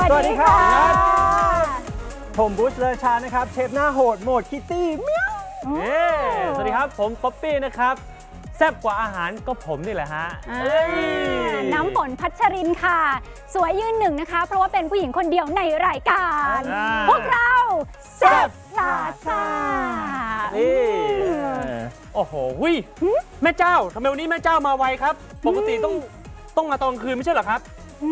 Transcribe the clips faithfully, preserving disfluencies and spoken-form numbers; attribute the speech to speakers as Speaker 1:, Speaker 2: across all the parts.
Speaker 1: สวัสดีครับผมบูชเลอชานะครับเชฟหน้าโหดโหมดคิตตี้เมี้ยว
Speaker 2: สวัสดีครับผมป๊อปปี้นะครับแซ่บกว่าอาหารก็ผมนี่แหละฮะ
Speaker 3: น้ำฝนพัชรินค่ะสวยยืนหนึ่งนะคะเพราะว่าเป็นผู้หญิงคนเดียวในรายการพวกเราแซ่บลาซา
Speaker 2: นี่โอ้โหวิแม่เจ้าทำไมวันนี้แม่เจ้ามาไวครับปกติต้องต้องมาตอนกลางคืนไม่ใช่เหรอครับ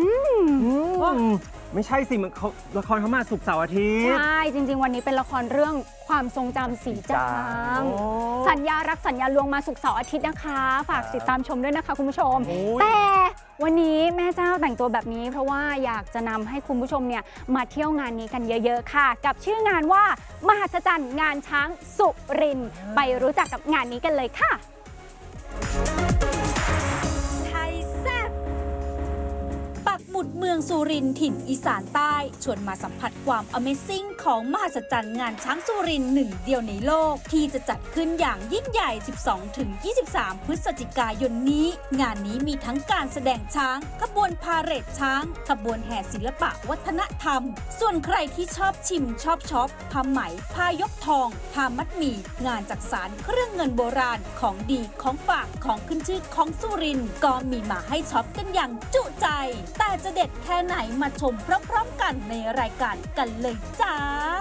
Speaker 1: ไม่ใช่สิมันเขาละครเขามาศุกร์เสาร์อาทิตย์
Speaker 3: ใช่จริงๆวันนี้เป็นละครเรื่องความทรงจำสีจางสัญญารักสัญญาลวงมาศุกร์เสาร์อาทิตย์นะคะฝากติดตามชมด้วยนะคะคุณผู้ชมแต่วันนี้แม่เจ้าแต่งตัวแบบนี้เพราะว่าอยากจะนำให้คุณผู้ชมเนี่ยมาเที่ยวงานนี้กันเยอะๆค่ะกับชื่องานว่ามหัศจรรย์งานช้างสุรินทร์ไปรู้จักกับงานนี้กันเลยค่ะ
Speaker 4: หมุดเมืองสุรินทร์ถิ่นอีสานใต้ชวนมาสัมผัสความ Amazing ของมหัศจรรย์งานช้างสุรินทร์หนึ่งเดียวในโลกที่จะจัดขึ้นอย่างยิ่งใหญ่ สิบสองถึงยี่สิบสาม พฤศจิกายนนี้งานนี้มีทั้งการแสดงช้างขบวนพาเหรดช้างขบวนแห่ศิลปะวัฒนธรรมส่วนใครที่ชอบชิมชอบช็อปผ้าไหมผ้ายกทองผ้ามัดหมี่งานจักสานเครื่องเงินโบราณของดีของฝากของขึ้นชื่อของสุรินทร์ก็มีมาให้ช็อปกันอย่างจุใจแต่จะเด็ดแค่ไหนมาชมพร้อมๆกันในรายการกันเลยจ้า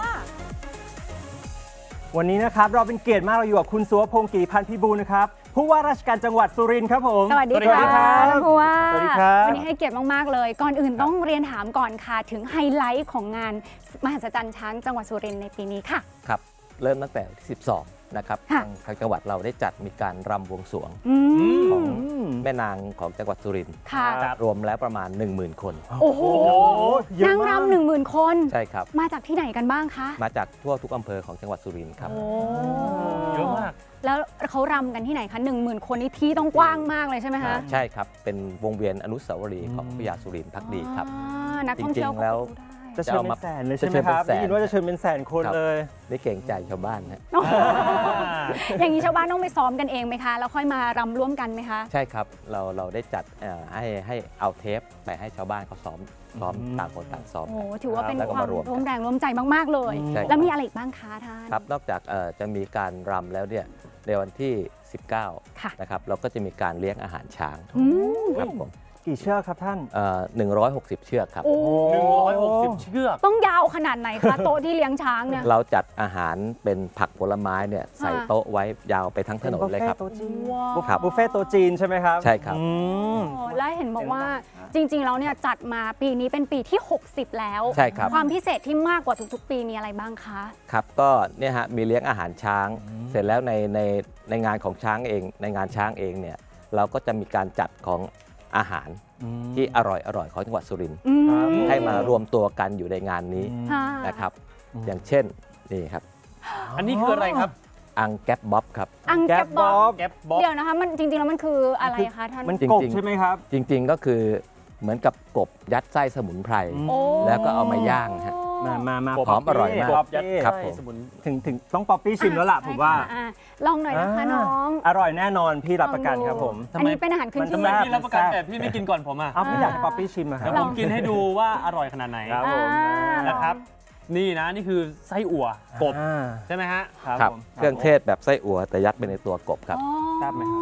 Speaker 1: วันนี้นะครับเราเป็นเกียรติมากเราอยู่กับคุณสุวพงศ์กีพันธ์พิบูลนะครับผู้ว่าราชการจังหวัดสุรินทร์ครับผม
Speaker 3: สวัสดีครับผู้ว่า
Speaker 1: สวัสดีครับ
Speaker 3: วันนี้ให้เกียรติมากๆเลยก่อนอื่นต้องเรียนถามก่อนค่ะถึงไฮไลท์ของงานมหัศจรรย์ช้างจังหวัดสุรินทร์ในปีนี้ค่ะ
Speaker 5: ครับเริ่มตั้งแต่ที่สิบสองนะครับทางทางจังหวัดเราได้จัดมีการรำบวงสรวงของแม่นางของจังหวัดสุรินทร์รวมแล้วประมาณ หนึ่งหมื่น คน
Speaker 3: โอ้โหนางรำหนึ่งหมื่นคน
Speaker 5: ใช่ครับ
Speaker 3: มาจากที่ไหนกันบ้างคะ
Speaker 5: มาจากทั่วทุกอำเภอของจังหวัดสุรินทร์ครับ
Speaker 2: เยอะมาก
Speaker 3: แล้วเขารำกันที่ไหนคะหนึ่งหมื่นคนนี่ที่ต้องกว้างมากเลยใช่ไหมคะ
Speaker 5: ใช่ครับเป็นวงเวียนอนุสาวรีย์ของพญาสุรินทร์ภักดีครับ
Speaker 3: นักท่องเที่ยว
Speaker 5: แล้ว
Speaker 1: จะเชิญเป็นแสนเลยใช่ไหมครับได้ยินว่าจะเชิญเป็นแสนคนเลย
Speaker 5: ได้เก่งใจชาวบ้านนะ
Speaker 3: อย่างนี้ชาวบ้านต้องไปซ้อมกันเองไหมคะแล้วค่อยมารำร่วมกันไหมคะ
Speaker 5: ใช่ครับเราเราได้จัดให้ให้เอาเทปไปให้ชาวบ้านเขาซ้อมซ้อมต่างคนต่างซ้อม
Speaker 3: โอ้ถือว่าเป็นความร่วมแรงร่วมใจมากๆเลยแล้วมีอะไรอีกบ้างคะท่าน
Speaker 5: ครับนอกจากจะมีการรำแล้วเนี่ยในวันที่สิบเก้านะครับเราก็จะมีการเลี้ยงอาหารช้างครับผม
Speaker 1: กี่เชือกครับท่าน
Speaker 5: หนึ่งร้อยหกสิบเชือกครับ
Speaker 2: หนึ่งร้อยหกสิบเชือก
Speaker 3: ต้องยาวขนาดไหนคะโต๊ะที่เลี้ยงช้างเนี่ย
Speaker 5: เราจัดอาหารเป็นผักผลไม้เนี่ยใส่โต๊ะไว้ยาวไปทั้งถนนเลยครับ
Speaker 1: บุฟเฟ่ต์โต๊ะจีนใช่ไหมครับ
Speaker 5: ใช่ครับ
Speaker 3: และเห็นบอกว่าจริงๆแล้วเนี่ยจัดมาปีนี้เป็นปีที่หกสิบแล้ว
Speaker 5: ใช่ครับ
Speaker 3: ความพิเศษที่มากกว่าทุกๆปีมีอะไรบ้างคะ
Speaker 5: ครับก็เนี่ยฮะมีเลี้ยงอาหารช้างเสร็จแล้วในในในงานของช้างเองในงานช้างเองเนี่ยเราก็จะมีการจัดของอาหารที่อร่อยอร่อยของจังหวัดสุรินทร์ให้มารวมตัวกันอยู่ในงานนี้นะครับอย่างเช่นนี่ครับ
Speaker 2: อันนี้คืออะไรครับ
Speaker 5: อังแก๊บบ๊อบครับ
Speaker 3: อังแก๊บบ๊อบ
Speaker 2: แก๊บบ๊อบ
Speaker 3: เดี๋ยวนะคะมันจริงๆแล้วมันคืออะไรคะท่าน
Speaker 1: มันกบใช่ไหมครับ
Speaker 5: จริงๆก็คือเหมือนกับกบยัดไส้สมุนไพรแล้วก็เอามาย่างฮะ
Speaker 1: มามามา
Speaker 5: หอมอร่อยมาก
Speaker 1: ครับผมถึงถึงต้องป๊อปปี้ชิมแล้วล่ะผมว่า
Speaker 3: ลองหน่อยนะคะน้อง
Speaker 1: อร่อยแน่นอนพี่รับประกันครับผม
Speaker 3: อันนี้เป็นอาหารขึ้นชื่อ
Speaker 2: พี่รับประกันแต่พี่ไม่กินก่อนผมอ่ะ
Speaker 1: เอาพี่อยากให้ป๊อปปี้ชิมอะครับ
Speaker 2: ผมกินให้ดูว่าอร่อยขนาดไหน
Speaker 1: ครับผม
Speaker 2: นะครับนี่นะนี่คือไส้อั่วกบใช่ไหมฮะ
Speaker 5: ครับเครื่องเทศแบบไส้อั่วแต่ยัดไปในตัวกบครับ
Speaker 1: ทราบไหมครับ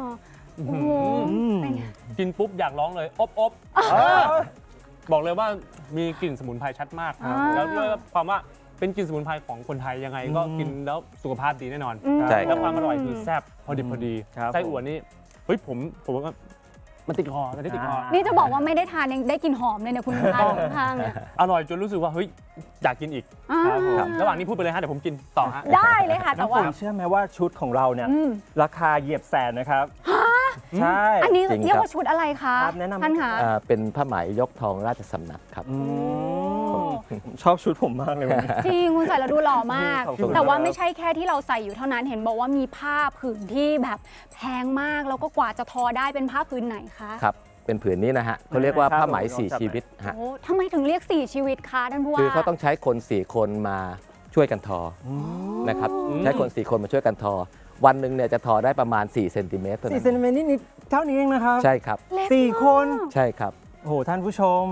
Speaker 2: กินปุ๊บอยากร้องเลยอบอบบอกเลยว่ามีกลิ่นสมุนไพรชัดมากแล้วด้วยความว่าเป็นกลิ่นสมุนไพรของคนไทยยังไงก็กินแล้วสุขภาพดีแน่นอนแล้วความอร่อยคือแซ่บพอดีพอดีไส้อั่วนี่เฮ้ยผมผมว่ามันติดคอมันติดคอ
Speaker 3: นี่จะบอกว่าไม่ได้ทานยังได้กลิ่นหอมเลยเนี่ยคุณทานข้างเนี่ย
Speaker 2: อร่อยจนรู้สึกว่าเฮ้ยอยากกินอีกระหว่างนี้พูดไปเลยฮะเดี๋ยวผมกินต่อฮะ
Speaker 3: ได้เลยค่ะแต่ว่า
Speaker 1: เชื่อไหมว่าชุดของเราเนี่ยราคาเหยียบแสนนะครับใช่
Speaker 3: อันนี้เรียกว่าชุดอะไรคะท่านคะ
Speaker 5: เป็นผ้าไหมยกทองราชสำนักครับ
Speaker 1: ชอบชุดผมมากเลย
Speaker 3: จริงคุณใส่แล้วดูหล่อมากแต่ว่าไม่ใช่แค่ที่เราใส่อยู่เท่านั้นเห็นบอกว่ามีผ้าผืนที่แบบแพงมากแล้วก็กว่าจะทอได้เป็นผ้าผืนไหนคะ
Speaker 5: ครับเป็นผืนนี้นะฮะเขาเรียกว่าผ้าไหมสี่ชีวิตฮะ
Speaker 3: ทำไมถึงเรียกสี่ชีวิตคะท่านผู้ว่า
Speaker 5: คือเขาต้องใช้คนสี่คนมาช่วยกันทอนะครับใช้คนสี่คนมาช่วยกันทอวันหนึ่งเนี่ยจะทอได้ประมาณสี่เซนติเมตร
Speaker 1: สี่เซนติเมตรนี่นิดเท่านี้เองนะครับ
Speaker 5: ใช่ครับ
Speaker 1: สี่คน
Speaker 5: ใช่ครับ
Speaker 1: โอ้โหท่านผู้ชม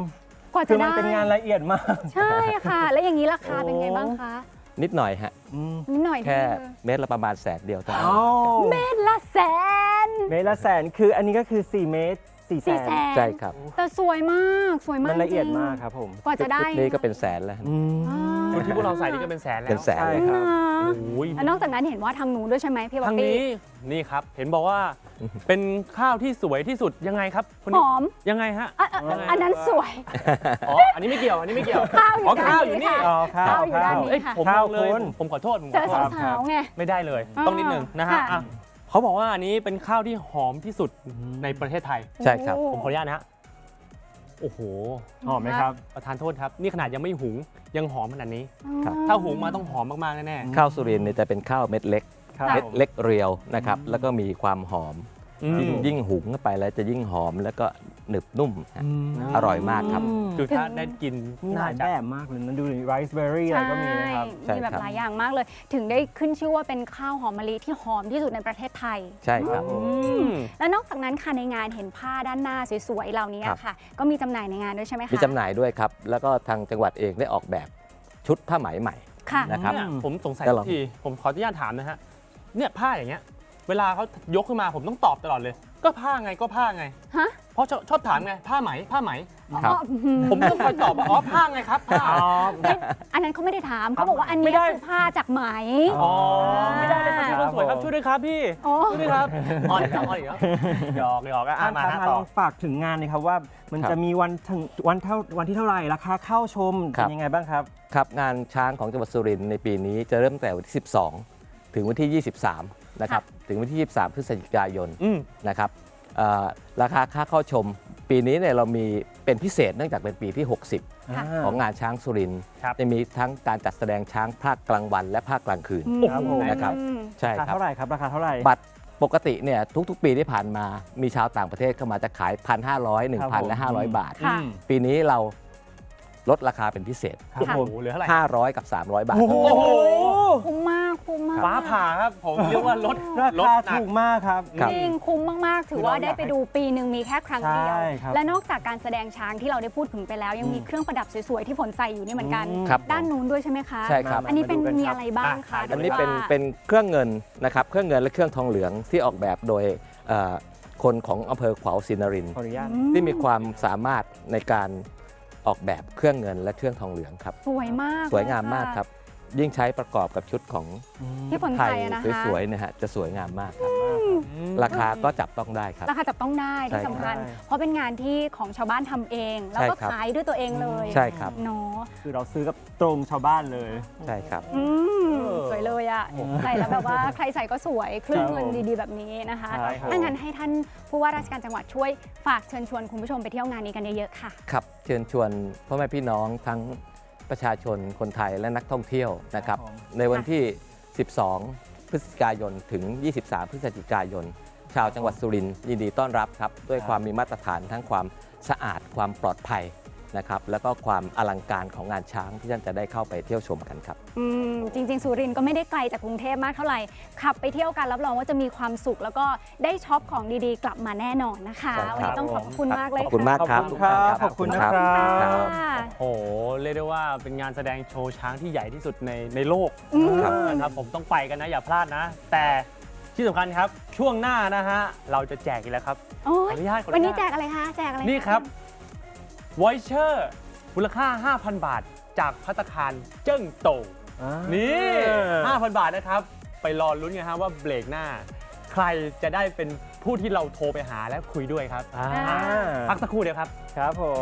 Speaker 3: กว่า
Speaker 1: คื
Speaker 3: จะ
Speaker 1: อมั
Speaker 3: ได้
Speaker 1: นเป็นงานละเอียดมาก
Speaker 3: ใช่ค่ะ แล้วอย่างนี้ราคาเป็นไงบ้างคะ
Speaker 5: นิดหน่อยฮะ
Speaker 1: อืม
Speaker 3: นิดหน่อย
Speaker 5: แค่
Speaker 3: เดียว
Speaker 5: เม็ดละประมาณแสนเดียวเท่านั้น
Speaker 1: อ้าว
Speaker 3: เม็ดละแสน
Speaker 1: เมตรละแสนคืออันนี้ก็คือสี่เมตรสี่แส
Speaker 3: สี่
Speaker 1: น
Speaker 3: แสน
Speaker 5: ใช่ครับ
Speaker 3: แต่สวยมากสวยมาก
Speaker 1: มันละเอียด
Speaker 3: จริง
Speaker 1: มากครับผม
Speaker 3: กว่าจะได้
Speaker 5: ชุนี้ก็เป็นแสนแล้ว
Speaker 1: อืม
Speaker 3: อ่า
Speaker 2: ชุดที่พวกเราใส่นี่ก็เป็นแสนแล้ว
Speaker 5: เป็นแสน
Speaker 1: ใช่
Speaker 5: เลย
Speaker 1: ครับ
Speaker 2: โอ้ย
Speaker 3: แล้วนอกจากนั้นเห็นว่าทางนู้นด้วยใช่ไหมพี่บ๊อบ
Speaker 2: ทาง
Speaker 3: บี้
Speaker 2: นี้นี่ครับ เห็นบอกว่าเป็นข้าวที่สวยที่สุดยังไงครับคน
Speaker 3: ห
Speaker 2: นี้
Speaker 3: อม
Speaker 2: ยังไงฮะ
Speaker 3: อ่ะอ่ะอ่ะอันนั้นสวย
Speaker 2: อ๋ออันนี้ไม่เกี่ยวอันนี้ไม่เกี่ยว
Speaker 3: ข้าวอยู่
Speaker 2: อ๋อ
Speaker 3: ด้าน
Speaker 2: ข้าวอยู่
Speaker 3: นี้
Speaker 2: นี่
Speaker 3: ค่ะ
Speaker 1: อ๋อข้าว
Speaker 3: ข้าวอยู่ด้านนี้
Speaker 2: เอ้ย
Speaker 3: ค่ะ
Speaker 2: ผม
Speaker 1: ข้าว
Speaker 2: บอกเลย
Speaker 1: คุณ
Speaker 2: ผมขอโทษผม
Speaker 3: เจ
Speaker 2: ขอ
Speaker 3: อ
Speaker 2: โทษ
Speaker 3: สาวๆไง
Speaker 2: ไม่ได้เลย
Speaker 3: อ่า
Speaker 2: ต้องนิดหนึ่งนะฮะ
Speaker 3: ค่ะ
Speaker 2: อ่ะเขาบอกว่าอันนี้เป็นข้าวที่หอมที่สุดในประเทศไทย
Speaker 5: ใช่ครับ
Speaker 3: โอ้
Speaker 2: ผมขออนุญาตนะฮะโอ้โห
Speaker 1: หอมไหมครับ
Speaker 2: ประธานโทษครับ นี่ขนาดยังไม่หุงยังหอมขนาดนี้
Speaker 5: ครับ
Speaker 2: ถ้าหุงมาต้องหอมมากๆแน่
Speaker 5: ข้าวสุรินทร์เนี่ยจะเป็นข้าวเม็ดเล็ก
Speaker 1: ครับ
Speaker 5: เม็ดเล็กเรียวนะครับ แล้วก็มีความหอม
Speaker 2: ๆอืม
Speaker 5: ยิ่งยิ่งหุงเข้าไปแล้วจะยิ่งหอมแล้วก็หนึบนุ่มฮะ อร่อยมากครับ
Speaker 2: คือถ้าได้กิน
Speaker 1: มีห
Speaker 2: น่า
Speaker 1: ลาย
Speaker 2: จะ
Speaker 1: แบบมากเลยนะดูไรซ์เบอร์รี่อะไรก็มีนะครับ
Speaker 5: ใช่
Speaker 3: มีแบบ
Speaker 5: ครับ
Speaker 3: หลายอย่างมากเลย ถึงได้ขึ้นชื่อว่าเป็นข้าวหอมมะลิที่หอมที่สุดในประเทศไทย
Speaker 5: ใช่ครับ
Speaker 3: อืมแล้วนอกจากนั้นค่ะในงานเห็นผ้าด้านหน้าสวยๆเหล่านี้
Speaker 5: ครับ
Speaker 3: ค่ะ ก็มีจำหน่ายในงานด้วยใช่ไหมคะ
Speaker 5: มีจำหน่ายด้วยครับ แล้วก็ทางจังหวัดเองได้ออกแบบชุดผ้าไหมใหม่
Speaker 3: ค่ะ
Speaker 5: นะครับ
Speaker 2: เนี่ยผมสงสัย
Speaker 5: จะลอง
Speaker 2: ทีผมขออนุญาตถามนะฮะเนี่ยผ้าอย่างเงี้ยเวลาเขายกขึ้นมาผมต้องตอบตลอดเลย ก็ผ้าไงก็ผ้าไง
Speaker 3: ฮะ
Speaker 2: เพราะชอบชอบถามไงผ้าไหมผ้าไหม
Speaker 5: ครับ
Speaker 3: อ๋ออืม
Speaker 2: ผมต้องคอยตอบว่าอ๋อผ้าไงครับผ้า
Speaker 3: อันนั้นเขาไม่ได้ถามเขาบอกว่าอัน
Speaker 2: ไม่
Speaker 3: นี้
Speaker 2: ได้
Speaker 3: คือผ้าจากไหม
Speaker 2: อ๋อไม่ได้เลยครับพี่คนสวยครับช่วยด้วยครับพี่
Speaker 3: โอ้
Speaker 2: ช่วยด้วยครับอ่อนอีกแล้วอ่อนอีกแล้วหยอกหยอกอ่ะ
Speaker 1: ท่าน
Speaker 2: มา
Speaker 1: ครับ
Speaker 2: ฮะ
Speaker 1: ล
Speaker 2: ต่อ
Speaker 1: องฝากถึงงานหนะครับว่ามัน
Speaker 5: ครับ
Speaker 1: จะมีวันถึงวันเท่าวันที่เท่าไหร่ราคาเข้าชม
Speaker 5: ครั
Speaker 1: เป็
Speaker 5: บ
Speaker 1: นยังไงบ้างครับ
Speaker 5: ครับงานช้างของจังหวัดสุรินทร์ในปีนี้จะเริ่มตั้งแต่วันที่ สิบสอง ถึงวันที่ ยี่สิบสาม นะครับถึงวันที่ ยี่สิบสาม พฤศจิกายน
Speaker 2: อืม
Speaker 5: นะครับเอ่อราคาค่าเข้าชม ปีนี้เนี่ยเรามีเป็นพิเศษเนื่องจากเป็นปีที่ หกสิบ
Speaker 3: ค่ะ
Speaker 5: ของงานช้างสุรินทร์
Speaker 2: ครับ
Speaker 5: จะมีทั้งการจัดแสดงช้างภาคกลางวันและภาคกลางคืน
Speaker 1: ครับผม
Speaker 5: นะครับ
Speaker 3: อืม
Speaker 5: ใช่
Speaker 1: ราคา
Speaker 5: ครับ
Speaker 1: เท่าไหร่ครับราคาเท่าไหร่
Speaker 5: บัตรปกติเนี่ยทุกๆ ปีที่ผ่านมามีชาวต่างประเทศเข้ามาจะขาย หนึ่งพันห้าร้อย หนึ่งพัน และ ห้าร้อย บาท
Speaker 3: ค่ะ
Speaker 5: ปีนี้เราลดราคาเป็นพิเศษ
Speaker 1: ครับ
Speaker 2: โอ้
Speaker 1: ผม
Speaker 2: โหเหลือเท่าไหร่
Speaker 5: ห้าร้อย กับ สามร้อย บาท
Speaker 1: โอ้โห
Speaker 3: คุ้มมากคุ้มมาก
Speaker 2: ฟ้าผ่าครับผมเรียกว่าลด
Speaker 1: รา
Speaker 2: ลด
Speaker 1: คา
Speaker 2: หนัก
Speaker 1: ถูกมากครับ
Speaker 5: ครับ
Speaker 3: จริงคุ้มมาก ๆ ถือว่าได้ไปดูปีหนึ่งมีแค่ครั้งเดียว
Speaker 1: ใช่ครับ
Speaker 3: และนอกจากการแสดงช้างที่เราได้พูดถึงไปแล้ว ยังมีเครื่องประดับสวย ๆ ที่ฝนใส่อยู่นี่เหมือนกัน
Speaker 5: ครับ
Speaker 3: ด้านนู้นด้วยใช่ไหมคะ
Speaker 5: ใช่ครับ
Speaker 3: อันนี้เป็น
Speaker 1: มาดูกันครับ
Speaker 3: มีอะไรบ้างคะ
Speaker 2: อ่ะ
Speaker 5: อันนี้เป็น
Speaker 3: หรือว่า
Speaker 5: เป็นเครื่องเงินนะครับเครื่องเงินและเครื่องทองเหลืองที่ออกแบบโดยเอ่อคนของอำเภอขวาวศรีนรินทร์
Speaker 1: ขออนุญาต
Speaker 5: ที่มีความสามารถในการออกแบบเครื่องเงินและเครื่องทองเหลืองครับ
Speaker 3: สวยมาก
Speaker 5: สวยงามมาก
Speaker 3: เลยะ
Speaker 5: ครับ ยิ่งใช้ประกอบกับชุดของ
Speaker 3: ที่ฝน
Speaker 5: ไท
Speaker 3: ใส่
Speaker 5: ย
Speaker 3: อะนะคะ
Speaker 5: สวยๆนะฮะจะสวยงามมากครับ ราคาก็จับต้องได้ครับ
Speaker 3: ราคาจับต้องได้ที่
Speaker 5: ใช่ครับ
Speaker 3: สำคัญ เพราะเป็นงานที่ของชาวบ้านทำเอง แล้วก็
Speaker 5: ใช่ครับ
Speaker 3: ขายด้วยตัวเองเลย
Speaker 5: ใช่ครับ
Speaker 3: เนาะ
Speaker 1: คือเราซื้อกับตรงชาวบ้านเลย
Speaker 5: ใช่ครับ
Speaker 3: อืมสวยเลยอะใส่แล้วแบบว่าใครใส่ก็สวยเครื่องเงินดีๆแบบนี้นะคะ
Speaker 1: ใช่ครับ
Speaker 3: ถ้างั้นให้ท่านผู้ว่าราชการจังหวัดช่วยฝากเชิญชวนคุณผู้ชมไปเที่ยวงานนี้กันเยอะๆค่ะ
Speaker 5: ครับเชิญชวนพ่อแม่พี่น้องทั้งประชาชนคนไทยและนักท่องเที่ยวนะครับ
Speaker 1: ครับผม
Speaker 5: ในวันที่ สิบสอง พฤศจิกายน ถึง ยี่สิบสาม พฤศจิกายน ชาวจังหวัดสุรินทร์ยินดีต้อนรับครับ ด้วยความมีมาตรฐานทั้งความสะอาดความปลอดภัยนะครับ แล้วก็ความอลังการของงานช้างที่ท่านจะได้เข้าไปเที่ยวชมกันครับ
Speaker 3: อืมจริง ๆ สุรินทร์ก็ไม่ได้ไกลจากกรุงเทพมากเท่าไหร่ ขับไปเที่ยวกันรับรองว่าจะมีความสุข แล้วก็ได้ช็อปของดีๆ กลับมาแน่นอนนะคะ
Speaker 5: ใช่ครับ
Speaker 3: วันนี้ต้องขอบคุณมากเลย
Speaker 5: ขอบคุณมากครับ
Speaker 1: ขอบคุณครับขอบคุณนะครับ
Speaker 5: ครับ
Speaker 3: ค่ะ
Speaker 2: โอ้โหเรียกได้ว่าเป็นงานแสดงโชว์ช้างที่ใหญ่ที่สุดในในโลก
Speaker 3: อืม
Speaker 2: นะครับผมต้องไปกันนะอย่าพลาดนะ แต่ที่สำคัญครับช่วงหน้านะฮะเราจะแจกอีกแล้วครับ
Speaker 3: โอ้
Speaker 2: ขอย อนุญาตขออนุญาต
Speaker 3: วันนี้แจกอะไรคะ แจกอะไระ
Speaker 2: นี่ครับวอยเชอร์มูลค่า ห้าพัน บาท จากภัตตาคารเจิ้งโตว
Speaker 1: อ่า
Speaker 2: นี่ ห้าพัน บาทนะครับ ไปรอลุ้นกันฮะว่าเบรกหน้า ใครจะได้เป็นผู้ที่เราโทรไปหาและคุยด้วยครับ
Speaker 1: อ่า
Speaker 2: พักสักครู่เดียวครับ
Speaker 1: ครับผม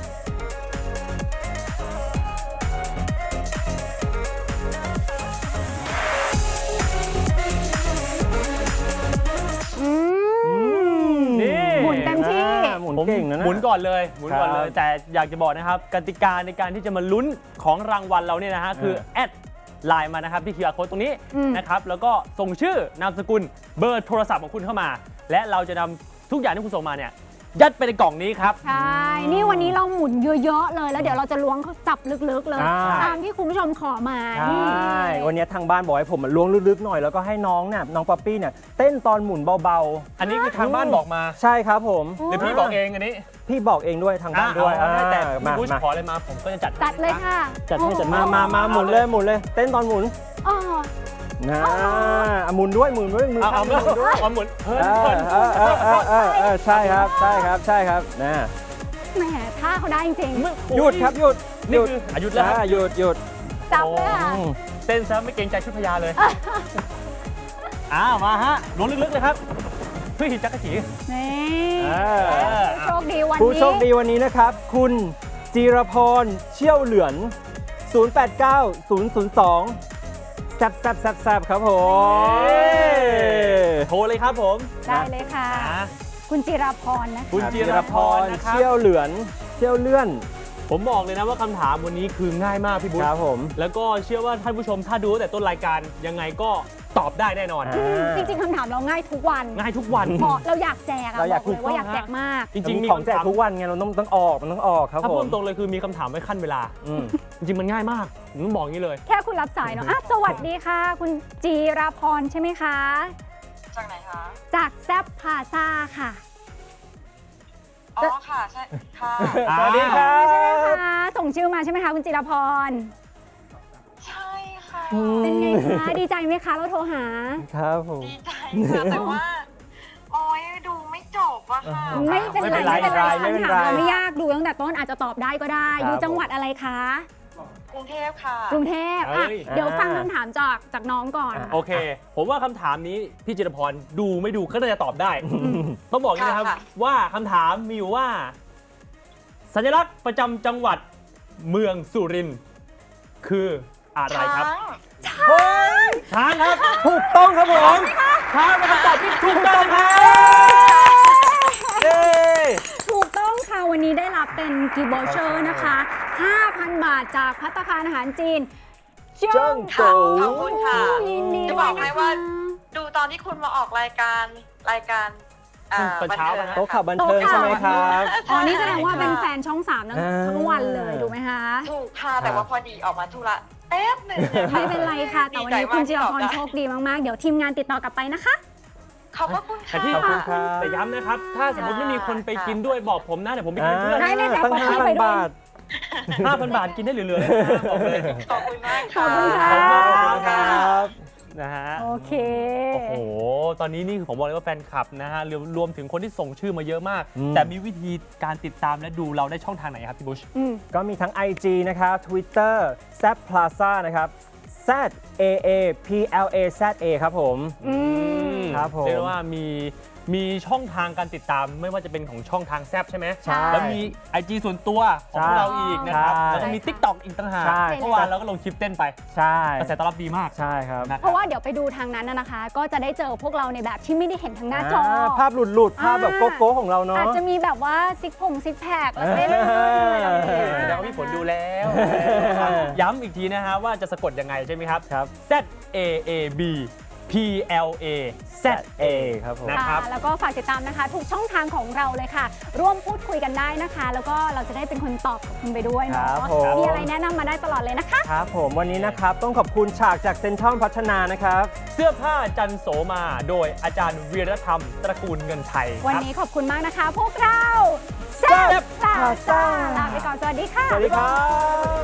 Speaker 3: อืม
Speaker 2: นี่
Speaker 3: หมุนเต็มที่
Speaker 1: อ่าหมุนเก่งนะนะ
Speaker 2: หมุนก่อนเลยหมุนก่อนเลย
Speaker 1: ครับ
Speaker 2: แต่อยากจะบอกนะครับกติกาในการที่จะมาลุ้นของรางวัลเราเนี่ยนะฮะคือแอดไลน์มานะครับที่ คิว อาร์ Code ตรงนี้
Speaker 3: อืม
Speaker 2: นะครับแล้วก็ส่งชื่อนามสกุลเบอร์โทรศัพท์ของคุณเข้ามา และเราจะนำทุกอย่างที่คุณส่งมาเนี่ยยัดไปในกล่องนี้ครับ
Speaker 3: ใช่ นี่วันนี้เราหมุนเยอะๆเลย แล้วเดี๋ยวเราจะล้วงเขาจับลึกๆเลย
Speaker 1: อ่า
Speaker 3: ตามที่คุณผู้ชมขอมา
Speaker 1: ใช
Speaker 3: นี่
Speaker 1: ่วันวันนี้ทางบ้านบอกให้ผมมาล้วงลึกๆหน่อยแล้วก็ให้น้องเนี่ยน้องป๊อปปี้เนี่ยเต้นตอนหมุนเบา
Speaker 2: อันนี้คือทางบ้านบอกมา
Speaker 1: ๆ ใช่ครับผม
Speaker 2: หรือพี่บอกเองอันนี้
Speaker 1: พี่บอกเองด้วยทางบ้านด้วย
Speaker 2: อ่ะเอาแต่
Speaker 1: อ่า
Speaker 2: พี่
Speaker 1: มา
Speaker 2: บุช
Speaker 1: มา
Speaker 2: ขออะไรมาผมก็จะจัด
Speaker 3: จัดเลยค่ะ
Speaker 2: จัดให้จัด
Speaker 1: มามามาหมุนเลยหมุนเลย เต้นตอนหมุน
Speaker 3: อ๋อ
Speaker 1: นะอ่ะหมุนด้วยหมุนด้วยมือ
Speaker 2: เอา
Speaker 1: ข้า
Speaker 2: เอา
Speaker 1: งหมุนด้วย
Speaker 2: เอาหมุนเพิ่น
Speaker 1: เออ
Speaker 2: เพิ่น
Speaker 1: เออเออเออเออเออใช่ครับใช่ครับใช่ครับนะ
Speaker 3: แหมท่าเขาได้จริง
Speaker 1: หยุดครับหยุดห
Speaker 2: นี่
Speaker 1: ยุด
Speaker 2: คืออายุดแล้วครับ
Speaker 1: อ่าหยุดหยุด
Speaker 3: ๆจับเลยค่ะ
Speaker 1: อืม
Speaker 2: เต้นซะไม่เกรงใจชุดพญาเลยอ้าวมาฮะล้วงลึกๆเลยครับเพื่อหิจักรจี
Speaker 3: นี่
Speaker 1: อ่า
Speaker 3: ผู้โชคดีวัน
Speaker 1: ผู้
Speaker 3: นี้
Speaker 1: โชคดีวันนี้นะครับ คุณจีรพรเชี่ยวเหลือน ศูนย์ แปด เก้า ศูนย์ ศูนย์ สองแซบแซบแซบแซบครับผม
Speaker 2: โทรเลยครับผม
Speaker 3: ได้เลยค่ะ
Speaker 2: อ่า
Speaker 3: คุณจิราพรนะคะ
Speaker 2: คุณจิรพรนะครับ
Speaker 1: เชี่ยวเหลือนเชี่ยวเลื่อน
Speaker 2: ผมบอกเลยนะว่าคำถามวันนี้คือง่ายมากพี่บุ๊
Speaker 1: ครับผม
Speaker 2: แล้วก็เชื่อว่าท่านผู้ชมถ้าดูตั้งแต่ต้นรายการยังไงก็ตอบได้แน่นอน
Speaker 1: อ่า
Speaker 3: อืมจริงๆคำถามเราง่ายทุกวัน
Speaker 2: ง่ายทุกวัน
Speaker 3: เพราะเราอยากแจกอะ
Speaker 1: เราอยาก
Speaker 3: บเลยว่าอยากแจกมาก
Speaker 2: จริงๆ
Speaker 1: มี
Speaker 2: มี
Speaker 1: ของแจก
Speaker 2: คำถาม
Speaker 1: ทุกวันไงเราต้องต้องออกมันต้องออกครับ
Speaker 2: ถ้า
Speaker 1: ผ
Speaker 2: พู
Speaker 1: ม
Speaker 2: ดตรงเลยคือมีคำถามไว้ขั้นเวลา
Speaker 1: อืม
Speaker 2: จริงๆมันง่ายมากผมต้องบอกอย่างนี้เลย
Speaker 3: แค่คุณรับสายเนาะอ่ะสวัสดีค่ะ คุณจีราพรใช่ไหมคะ
Speaker 6: จากไหนคะ
Speaker 3: จากแซบพาซาค่ะ
Speaker 6: อ๋อค่ะ ใช่ ค่ะ
Speaker 2: อ่า
Speaker 1: สวัสดีครั
Speaker 3: ใช่ไหม
Speaker 1: บ
Speaker 3: คะส่งชื่อมาใช่ไหมคะคุณจิราพร
Speaker 6: ใช่ค่ะ
Speaker 3: เป็นไงคะดีใจไหมคะเราโทรหา
Speaker 1: ครับผม
Speaker 6: ดีใจค่ะ แต่ว่า โอ้ยดูไม่จบอะค่ะ
Speaker 3: ไม่เป็น
Speaker 1: ไม่เป็น
Speaker 3: ไร
Speaker 1: ไร
Speaker 3: ไม่เป็นไร
Speaker 1: ไม่เป็นไร
Speaker 3: คำถามเราไม่ยากดูตั้งแต่ต้นอาจจะตอบได้ก็ได้
Speaker 1: ครับ
Speaker 3: อยู่จังหวัดอะไรคะ
Speaker 6: กรุงเทพค่ะ
Speaker 3: กรุงเทพอ่ะ
Speaker 2: เอ้ย
Speaker 3: เดี๋ยวฟังคำถามจากจากน้องก่อน
Speaker 2: โอเค ผมว่าคำถามนี้พี่จิรพรดูไม่ดูก็น่าจะตอบได้ ต้องบอกอย่างนี้นะครับ
Speaker 6: ค่ะ
Speaker 2: ว่าคำถามมีอยู่ว่า สัญลักษณ์ประจำจังหวัดเมืองสุรินทร์คืออะไรครับ
Speaker 6: ช้าง
Speaker 1: เฮ้ย
Speaker 2: ช้างครับ
Speaker 1: ถูกต้องครับผม
Speaker 2: ช้างเป็นคำตอบที่ถูกต้องครับเย้
Speaker 3: ถูกต้องค่ะ วันนี้ได้รับเป็นกีบอเชอร์นะคะ ห้าพัน บาทจากภัตตาคารอาหารจีนเจิ้
Speaker 1: เจิ้
Speaker 3: ง
Speaker 1: ง
Speaker 3: โต
Speaker 1: โต
Speaker 6: ขอบคุณค่ะ
Speaker 3: ยินดี
Speaker 6: จะบอกให้ว่า ดูตอนที่คุณมาออกรายการรายการอ่า
Speaker 2: ตอน
Speaker 6: บัน
Speaker 2: เช้า
Speaker 6: เทิง
Speaker 2: นะ
Speaker 1: โต๊ะข่าวบันเทิงใช่ไหมครับ
Speaker 3: อ๋อ นี่แสดงว่าเป็นแฟนช่องสามทั้ง
Speaker 1: อ่า
Speaker 3: ทั้งวันเลยถูกไหมคะ
Speaker 6: ถูกค่ะ แต่ว่าพอดีออกมาธุระแป๊บหนึ่งยค่ะ
Speaker 3: ไม่เป็นไรค่ะ แต่วันนี้คุณจิรพรโชคดีมาก ๆ เดี๋ยวทีมงานติดต่อกลับไปนะคะ
Speaker 6: ขอบพระคุณ
Speaker 2: แต่
Speaker 6: ค่ะ
Speaker 2: ที่
Speaker 1: ขอบคุณครับ
Speaker 2: แต่ย้ำนะครับ ถ้าสมมติไม่มีคนไปกินด้วยบอกผมนะเดี๋ยวผมไปกินเป็นเพื่อน
Speaker 3: ได้เลยค่ะ
Speaker 1: ตั้ง
Speaker 3: ขอ
Speaker 1: ห้า
Speaker 3: ให้
Speaker 1: พั
Speaker 3: ไป
Speaker 1: น
Speaker 3: ด้วย
Speaker 1: บาท
Speaker 2: ห้าพันบาทกินได้เหลือๆเลยนะบอกเลย
Speaker 6: ขอบคุณมาก
Speaker 3: ขอบคุณ
Speaker 6: ค่ะ
Speaker 3: ค่ะ
Speaker 2: ขอบคุณครับ นะฮะ
Speaker 3: โอเค
Speaker 2: โอ้โห ตอนนี้นี่คือผมบอกเลยว่าแฟนคลับนะฮะรวมรวมถึงคนที่ส่งชื่อมาเยอะมาก
Speaker 1: อืม
Speaker 2: แต่มีวิธีการติดตามและดูเราได้ช่องทางไหนครับพี่บุช
Speaker 3: อืม
Speaker 1: ก็มีทั้ง ไอ จี นะครับ Twitter แซบ Plaza นะครับ Z A A P L A Z A ครับผม
Speaker 3: อืม
Speaker 1: ครับผม
Speaker 2: เรียกได้ว่ามีมีช่องทางการติดตามไม่ว่าจะเป็นของช่องทางแซบใช่ไหม
Speaker 3: ใช่
Speaker 2: แล้วมี ไอ จี ส่วนตัวของ
Speaker 1: ใช่
Speaker 2: เราอีกนะครับ
Speaker 1: ใช่
Speaker 2: แล้วก็มี TikTok อีกต่างหาก
Speaker 1: ใช่
Speaker 2: เมื่อวานเราก็ลงคลิปเต้นไป
Speaker 1: ใช่
Speaker 2: กระแสตอบรับดีมาก
Speaker 1: ใช่ครับ
Speaker 2: นะค
Speaker 3: เพ
Speaker 2: รับ
Speaker 3: ราะว่าเดี๋ยวไปดูทางนั้นนะนะคะ ก็จะได้เจอพวกเราในแบบที่ไม่ได้เห็นทางหน้าจอ
Speaker 1: อ่าภาพหลุดหลุดๆภาพแบบ
Speaker 3: อ่า
Speaker 1: โกโก้ของเราเนาะ
Speaker 3: อาจจะมีแบบว่าซิกผงซิกแพคแล้วเต้น
Speaker 1: เออ
Speaker 2: แสดงว่าพี่ฝนดูแล้ว ย้ำอีกทีนะฮะว่าจะสะกดยังไงใช่ไหมครับ
Speaker 1: ครับ
Speaker 2: Z A A B P L A Z A
Speaker 1: ครับผม
Speaker 2: นะครับ
Speaker 3: อ่าแล้วก็ฝากติดตามนะคะทุกช่องทางของเราเลยค่ะ ร่วมพูดคุยกันได้นะคะ แล้วก็เราจะได้เป็นคนตอบกับคุณไปด้วยเนาะ
Speaker 1: ครับผม
Speaker 3: มีอะไรแนะนำมาได้ตลอดเลยนะคะ
Speaker 1: ครับผมวันนี้นะครับต้องขอบคุณฉากจากเซ็นทรัลพัฒนานะครับ
Speaker 2: เสื้อผ้าจันโสมาโดยอาจารย์วีรธรรม ตระกูลเงินไทย
Speaker 3: วัน
Speaker 2: ครับ
Speaker 3: นี้ขอบคุณมากนะคะ พวกเราแซ่บพลาซ่าลาไปก่อนสวัสดีค่ะ
Speaker 1: สวัสดีครับ